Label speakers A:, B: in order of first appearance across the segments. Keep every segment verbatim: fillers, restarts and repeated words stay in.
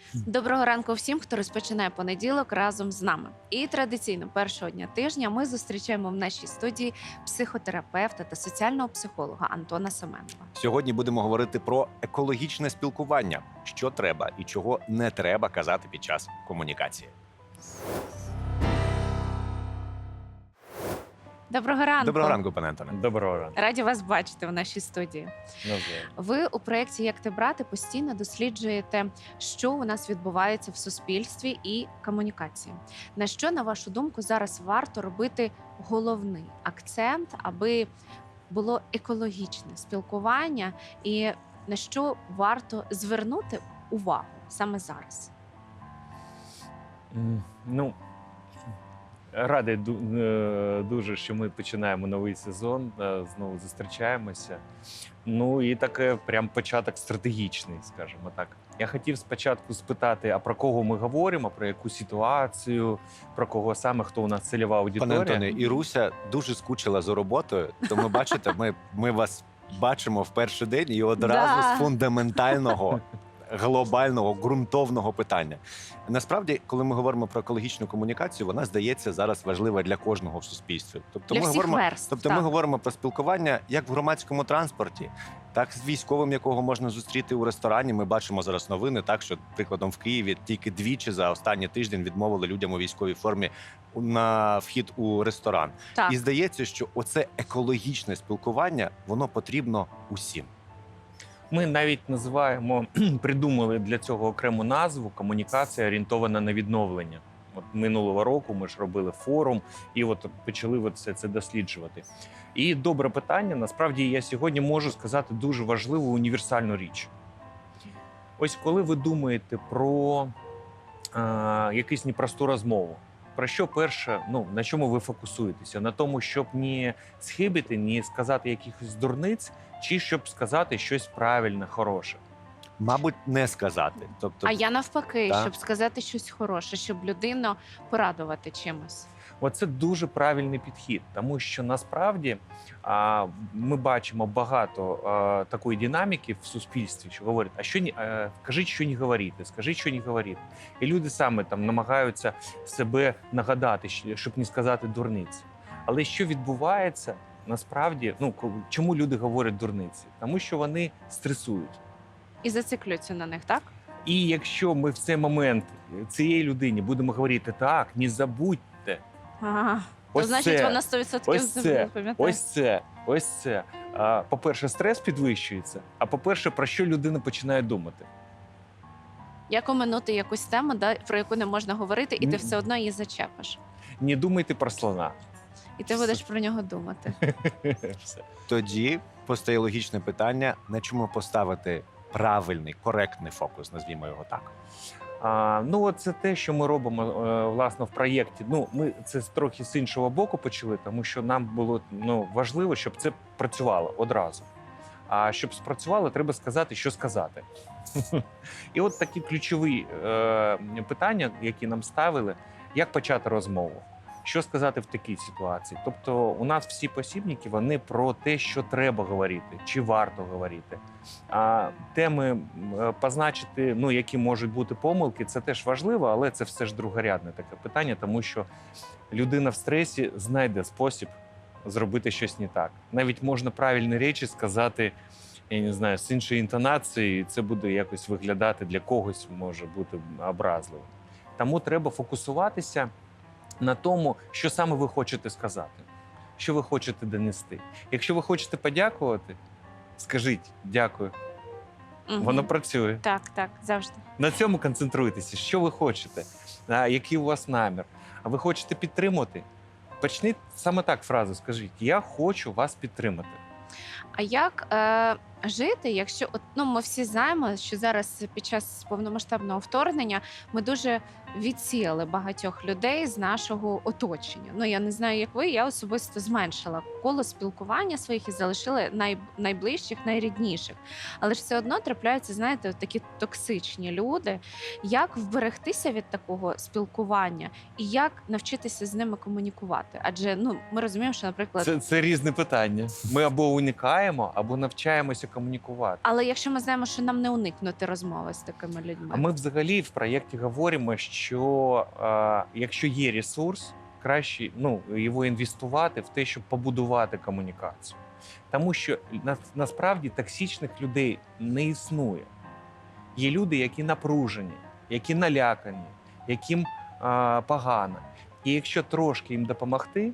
A: Доброго ранку всім, хто розпочинає понеділок разом з нами. І традиційно першого дня тижня ми зустрічаємо в нашій студії психотерапевта та соціального психолога Антона Семенова.
B: Сьогодні будемо говорити про екологічне спілкування, що треба і чого не треба казати під час комунікації.
A: Доброго ранку.
B: Доброго ранку, пане Антоне.
C: Доброго ранку.
A: Раді вас бачити в нашій студії.
C: Навзаєм.
A: Ви у проєкті «Як ти брати» постійно досліджуєте, що у нас відбувається в суспільстві і комунікації. На що, на вашу думку, зараз варто робити головний акцент, аби було екологічне спілкування, і на що варто звернути увагу саме зараз?
C: М, Ну, радий ду- е, дуже, що ми починаємо новий сезон, е, знову зустрічаємося. Ну і таке прям початок стратегічний, скажімо так. Я хотів спочатку спитати, а про кого ми говоримо, про яку ситуацію, про кого саме, хто у нас цільова
B: Пане
C: аудиторія.
B: Антоне, і Руся дуже скучила за роботою, тому бачите, ми, ми вас бачимо в перший день і одразу
A: Да.
B: з фундаментального, глобального, ґрунтовного питання. Насправді, коли ми говоримо про екологічну комунікацію, вона здається зараз важлива для кожного в суспільстві. Тобто
A: Для
B: ми
A: всіх
B: говоримо,
A: верств,
B: тобто
A: так.
B: ми говоримо про спілкування як в громадському транспорті, так з військовим, якого можна зустріти у ресторані. Ми бачимо зараз новини, так що, прикладом, в Києві тільки двічі за останній тиждень відмовили людям у військовій формі на вхід у ресторан.
A: Так.
B: І здається, що оце екологічне спілкування, воно потрібно усім.
C: Ми навіть називаємо, придумали для цього окрему назву комунікація орієнтована на відновлення. От минулого року ми ж робили форум і от почали от все це досліджувати. І добре питання. Насправді я сьогодні можу сказати дуже важливу універсальну річ. Ось коли ви думаєте про е, якусь непросту розмову, про що перше, ну на чому ви фокусуєтеся? На тому, щоб не схибити, не сказати якихось дурниць, чи щоб сказати щось правильне, хороше.
B: Мабуть, не сказати. Тобто,
A: А я навпаки,
B: Так.
A: щоб сказати щось хороше, щоб людину порадувати чимось.
C: Оце дуже правильний підхід, тому що насправді а, ми бачимо багато а, такої динаміки в суспільстві, що говорять, а що ні, а, кажіть, що не говорити, скажіть, що не говорити. І люди саме там намагаються себе нагадати, щ- щоб не сказати дурниці. Але що відбувається насправді? Ну ко- чому люди говорять дурниці? Тому що вони стресують.
A: І зациклюються на них, так?
C: І якщо ми в цей момент цієї людині будемо говорити так, не забудьте.
A: Ага. То
C: Ось
A: значить,
C: це,
A: вона сто відсотків
C: ось це,
A: запам'ятає.
C: ось це, ось це. А, по-перше, стрес підвищується, а по-перше, про що людина починає думати?
A: Як оминути якусь тему, да, про яку не можна говорити, і ти
C: Ні.
A: все одно її зачепиш.
C: Не думайте про слона.
A: І ти будеш про нього думати.
C: Все.
B: тоді постає логічне питання, на чому поставити правильний, коректний фокус, назвімо його так.
C: А, ну, от це те, що ми робимо е, власне в проєкті. Ну, ми це трохи з іншого боку почали, тому що нам було ну, важливо, щоб це працювало одразу. А щоб спрацювало, треба сказати, що сказати. І от такі ключові е, питання, які нам ставили, як почати розмову. Що сказати в такій ситуації? Тобто, у нас всі посібники вони про те, що треба говорити, чи варто говорити. А теми е, позначити, ну які можуть бути помилки, це теж важливо, але це все ж другорядне таке питання, тому що людина в стресі знайде спосіб зробити щось не так. Навіть можна правильні речі сказати, я не знаю, з іншою інтонацією, і це буде якось виглядати для когось, може бути образливо. Тому треба фокусуватися на тому, що саме ви хочете сказати, що ви хочете донести. Якщо ви хочете подякувати, скажіть «дякую».
A: Мгм.
C: Воно працює.
A: Так, так, завжди.
C: На цьому концентруйтеся. Що ви хочете? А, який у вас намір? А ви хочете підтримати? Почніть саме так фразу, скажіть «я хочу вас підтримати».
A: А як е, жити, якщо от, ну, ми всі знаємо, що зараз під час повномасштабного вторгнення ми дуже відсіяли багатьох людей з нашого оточення. Ну я не знаю, як ви, я особисто зменшила коло спілкування своїх і залишила най... найближчих, найрідніших. Але ж все одно трапляються, знаєте, такі токсичні люди. Як вберегтися від такого спілкування і як навчитися з ними комунікувати? Адже ну ми розуміємо, що, наприклад,
C: Це, це різне питання. Ми або уникаємо, або навчаємося комунікувати.
A: але якщо ми знаємо, що нам не уникнути розмови з такими людьми,
C: А ми взагалі в проєкті говоримо, що е, якщо є ресурс, краще ну, його інвестувати в те, щоб побудувати комунікацію. Тому що на, насправді токсичних людей не існує. Є люди, які напружені, які налякані, яким е, погано. І якщо трошки їм допомогти,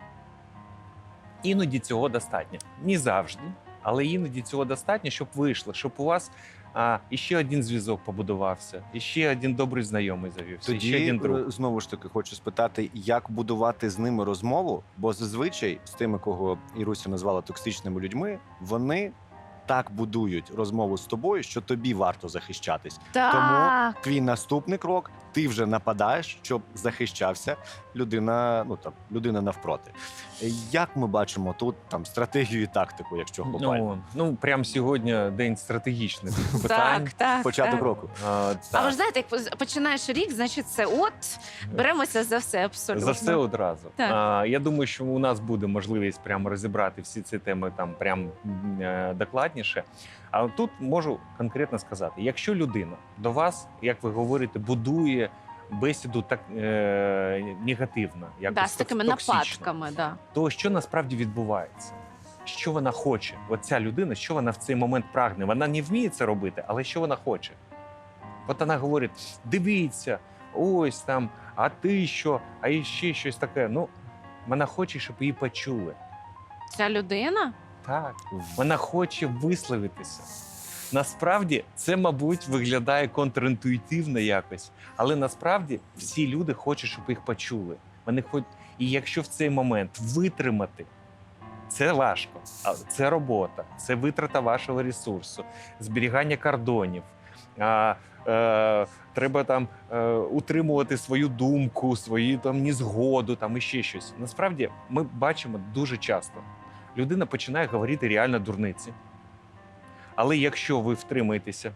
C: іноді цього достатньо. Не завжди, але іноді цього достатньо, щоб вийшло, щоб у вас а, іще один зв'язок побудувався, іще один добрий знайомий завівся, іще
B: Тоді
C: один друг.
B: е, знову ж таки хочу спитати, як будувати з ними розмову, бо зазвичай з тими, кого Іруся назвала токсичними людьми, вони так будують розмову з тобою, що тобі варто захищатись.
A: так.
B: Твій наступний крок ти вже нападаєш, щоб захищався людина, ну там людина навпроти. Е, Як ми бачимо тут там стратегію і тактику, якщо глобально?
C: Ну, ну, прямо сьогодні день стратегічних питань.
A: Так, так,
B: Початок
A: так.
B: року.
C: А,
A: А ви
C: так.
A: ж знаєте, як поз- починаєш рік, значить, це от беремося за все абсолютно.
C: За все одразу.
A: Так.
C: А, я думаю, що у нас буде можливість прямо розібрати всі ці теми там прям е, докладніше. А тут можу конкретно сказати: якщо людина до вас, як ви говорите, будує бесіду так е, негативно, якось
A: Да, з такими
C: токсично,
A: нападками, да.
C: то що насправді відбувається? Що вона хоче? Оця людина, що вона в цей момент прагне? Вона не вміє це робити, але що вона хоче? От вона говорить: дивіться, ось там, а ти що, а іще щось таке. Ну, вона хоче, щоб її почули.
A: Ця людина
C: Так, вона хоче висловитися. Насправді це, мабуть, виглядає контрінтуїтивно якось, але насправді всі люди хочуть, щоб їх почули. Вони хоч... І якщо в цей момент витримати, це важко, а це робота, це витрата вашого ресурсу, зберігання кордонів. А, е, треба там е, утримувати свою думку, свою там незгоду, там і ще щось. Насправді ми бачимо дуже часто. Людина починає говорити реально дурниці. Але якщо ви втримаєтеся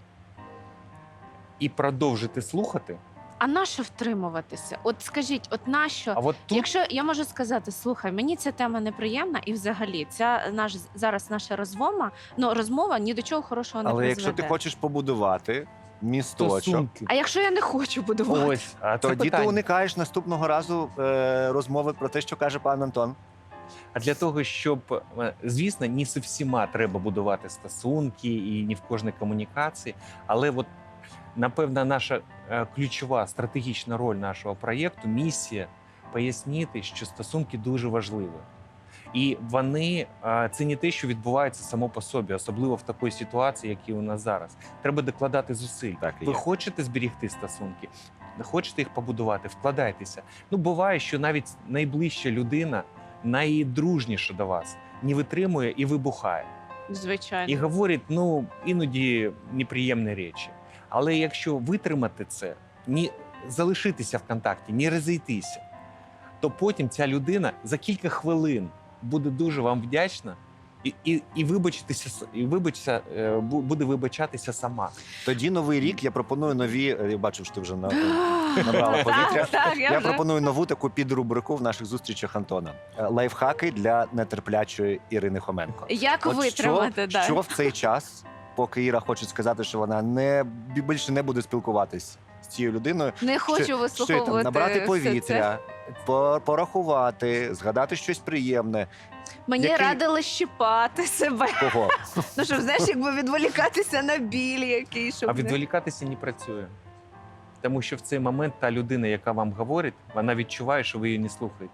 C: і продовжите слухати,
A: а нащо втримуватися? От скажіть, от нащо?
C: а от тут
A: Якщо я можу сказати, слухай, мені ця тема неприємна, і взагалі ця наш зараз наша розмова, ну розмова ні до чого хорошого не
B: Але
A: призведе.
B: якщо ти хочеш побудувати місточок,
C: стосунки.
A: А якщо я не хочу будувати?
C: Ось, а це
B: тоді ти
C: питання.
B: уникаєш наступного разу е, розмови про те, що каже пан Антон.
C: А для того, щоб, е, звісно, не зі всіма треба будувати стосунки і не в кожній комунікації, але от, напевно, наша е, ключова стратегічна роль нашого проєкту, місія пояснити, що стосунки дуже важливі. І вони е, це не те, що відбувається само по собі, особливо в такій ситуації, як і у нас зараз. Треба докладати зусиль.
B: Так і
C: Ви
B: є.
C: хочете зберігти стосунки, хочете їх побудувати, вкладайтеся. Ну, буває, що навіть найближча людина, найдружніша до вас, не витримує і вибухає.
A: Звичайно.
C: І говорить, ну, іноді неприємні речі. Але якщо витримати це, не залишитися в контакті, не розійтися, то потім ця людина за кілька хвилин буде дуже вам вдячна і, і, і, вибачитися, і вибачся, е, бу- буде вибачатися сама.
B: Тоді новий рік я пропоную нові. е, Я бачив, що ти вже на набрала повітря.
A: Так, так, я
B: Я
A: вже.
B: пропоную нову таку підрубрику в наших зустрічах Антона. Е, Лайфхаки для нетерплячої Ірини Хоменко.
A: Як
B: От
A: витримати,
B: що,
A: да.
B: що в цей час, поки Іра хоче сказати, що вона не більше не буде спілкуватись з цією людиною,
A: Не хочу
B: що, що
A: вислуховувати
B: там, набрати
A: все це.
B: повітря, по- порахувати, згадати щось приємне.
A: Мені
B: Який-
A: радили щипати себе.
B: Кого?
A: Ну щоб знаєш, якби відволікатися на біль який, щоб
C: А
A: не-
C: відволікатися не працює. Тому що в цей момент та людина, яка вам говорить, вона відчуває, що ви її не слухаєте.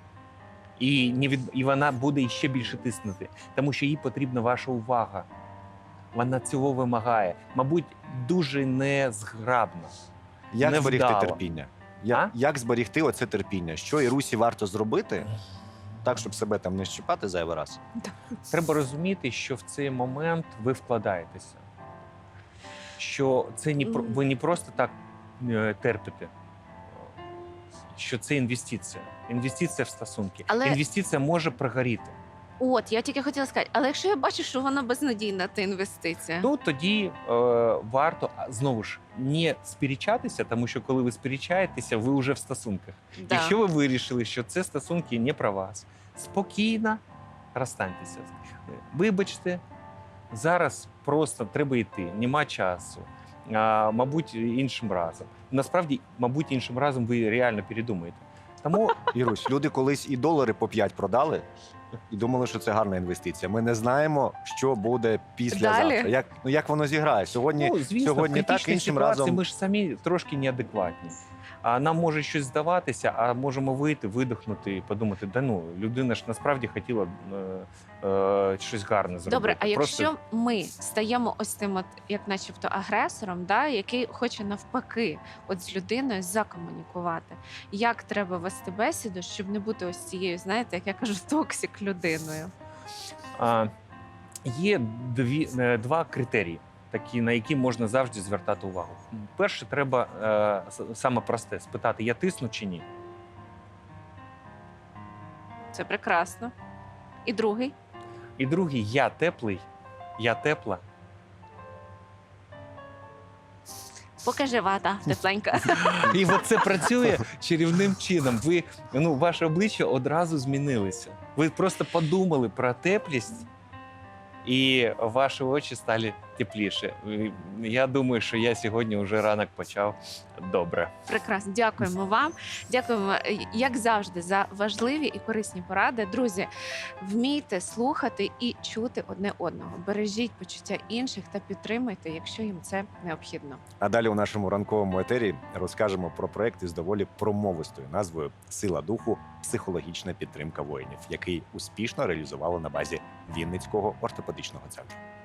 C: І, не від... і вона буде ще більше тиснути, тому що їй потрібна ваша увага. Вона цього вимагає. Мабуть, дуже незграбно.
B: Як
C: Невдало.
B: зберігти терпіння? Я,
C: А?
B: Як зберігти оце терпіння? Що Ірусі варто зробити, так, щоб себе там не щипати зайвий раз?
C: Треба розуміти, що в цей момент ви вкладаєтеся. Що це не про... ви не просто так е, терпите. що це інвестиція. Інвестиція в стосунки.
A: Але-
C: Інвестиція може прогоріти.
A: От, я тільки хотіла сказати, але якщо я бачу, що вона безнадійна, та інвестиція.
C: Ну тоді е, варто а, знову ж не сперечатися, тому що коли ви сперечаєтеся, ви вже в стосунках.
A: Да.
C: Якщо ви вирішили, що це стосунки не про вас, спокійно розстаньтеся. Вибачте, зараз просто треба йти, нема часу. А, мабуть, іншим разом. Насправді, мабуть, іншим разом ви реально передумаєте. Тому
B: Ірусь, люди колись і долари по п'ять продали і думали, що це гарна інвестиція. Ми не знаємо, що буде післязавтра.
A: Далі?
B: Як, ну, як воно зіграє? Сьогодні,
C: ну, звісно,
B: сьогодні
C: в
B: так,
C: критичній
B: іншим
C: ситуації
B: разом.
C: ми ж самі трошки неадекватні. А нам може щось здаватися, а можемо вийти, видихнути і подумати, да ну, людина ж насправді хотіла е, е, щось гарне зробити.
A: Добре, а
C: Просто
A: якщо ми стаємо ось тим, от, як начебто, агресором, да, який хоче навпаки от з людиною закомунікувати, як треба вести бесіду, щоб не бути ось цією, знаєте, як я кажу, токсик людиною?
C: А, є дві, е, два критерії, такі, на які можна завжди звертати увагу. Перше, треба е, с- саме просте спитати, я тисну чи ні.
A: Це прекрасно. І другий.
C: І другий, я теплий, я тепла.
A: Покажи вата тепленька.
C: І от це працює чарівним чином. Ви, ну, ваше обличчя одразу змінилося. Ви просто подумали про теплість, і ваші очі стали тепліше. І я думаю, що я сьогодні вже ранок почав добре.
A: Прекрасно, дякуємо вам. Дякуємо, е, як завжди, за важливі і корисні поради. Друзі, вмійте слухати і чути одне одного. Бережіть почуття інших та підтримуйте, якщо їм це необхідно.
B: А далі у нашому ранковому етері розкажемо про проект із доволі промовистою назвою Сила духу. Психологічна підтримка воїнів, який успішно реалізували на базі Вінницького ортопедичного центру.